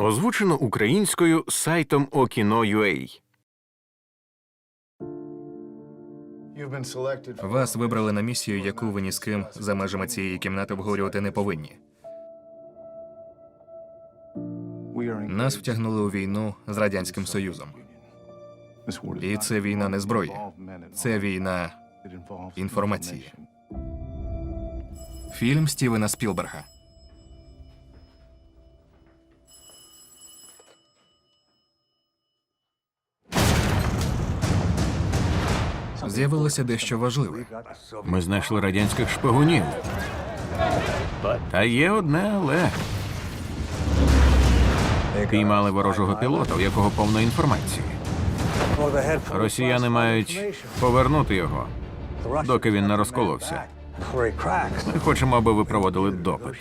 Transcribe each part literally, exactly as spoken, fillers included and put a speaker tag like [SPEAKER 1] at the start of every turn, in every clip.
[SPEAKER 1] Озвучено українською сайтом Okino.ua.
[SPEAKER 2] Вас вибрали на місію, яку ви ні з ким за межами цієї кімнати обговорювати не повинні. Нас втягнули у війну з Радянським Союзом. І це війна не зброї. Це війна інформації. Фільм Стівена Спілберга. З'явилося дещо важливе.
[SPEAKER 1] Ми знайшли радянських шпигунів. Та є одне але. Піймали ворожого пілота, у якого повно інформації. Росіяни мають повернути його, доки він не розколовся. Ми хочемо, аби ви проводили допит.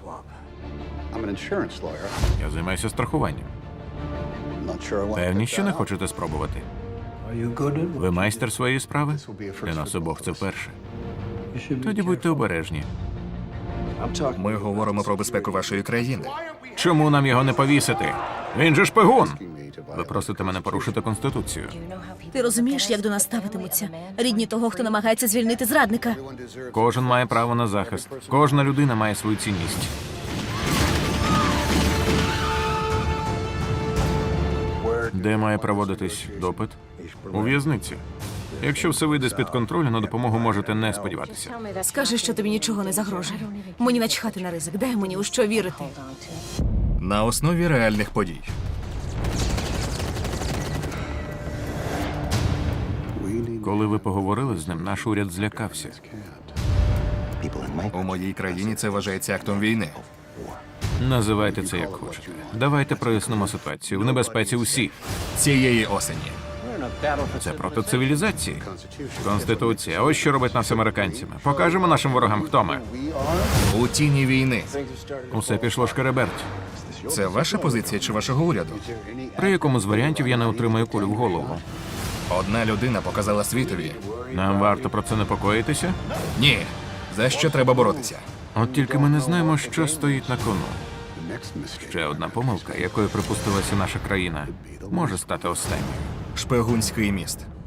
[SPEAKER 1] Я займаюся страхуванням. Певні, що не хочете спробувати? Ви майстер своєї справи? Для нас обох це вперше. Тоді будьте обережні.
[SPEAKER 2] Ми говоримо про безпеку вашої країни.
[SPEAKER 1] Чому нам його не повісити? Він же шпигун! Ви просите мене порушити Конституцію.
[SPEAKER 3] Ти розумієш, як до нас ставитимуться? Рідні того, хто намагається звільнити зрадника.
[SPEAKER 1] Кожен має право на захист. Кожна людина має свою цінність. Де має проводитись допит? У в'язниці. Якщо все вийде з-під контролю, на допомогу можете не сподіватися.
[SPEAKER 3] Скажи, що тобі нічого не загрожує. Мені начхати на ризик. Дай мені у що вірити.
[SPEAKER 2] На основі реальних подій.
[SPEAKER 1] Коли ви поговорили з ним, наш уряд злякався.
[SPEAKER 2] У моїй країні це вважається актом війни.
[SPEAKER 1] Називайте це як хочете. Давайте прояснимо ситуацію. В небезпеці усі.
[SPEAKER 2] Цієї осені.
[SPEAKER 1] Це проти цивілізації. Конституція. Ось що робить нас американцями. Покажемо нашим ворогам, хто ми.
[SPEAKER 2] У тіні війни.
[SPEAKER 1] Усе пішло шкереберть.
[SPEAKER 2] Це ваша позиція чи вашого уряду?
[SPEAKER 1] При якому з варіантів я не отримаю кулю в голову.
[SPEAKER 2] Одна людина показала світові.
[SPEAKER 1] Нам варто про це непокоїтися?
[SPEAKER 2] Ні. За що треба боротися?
[SPEAKER 1] От тільки ми не знаємо, що стоїть на кону. Ще одна помилка, якою припустилася наша країна, може стати останньою.
[SPEAKER 2] Шпигунський міст.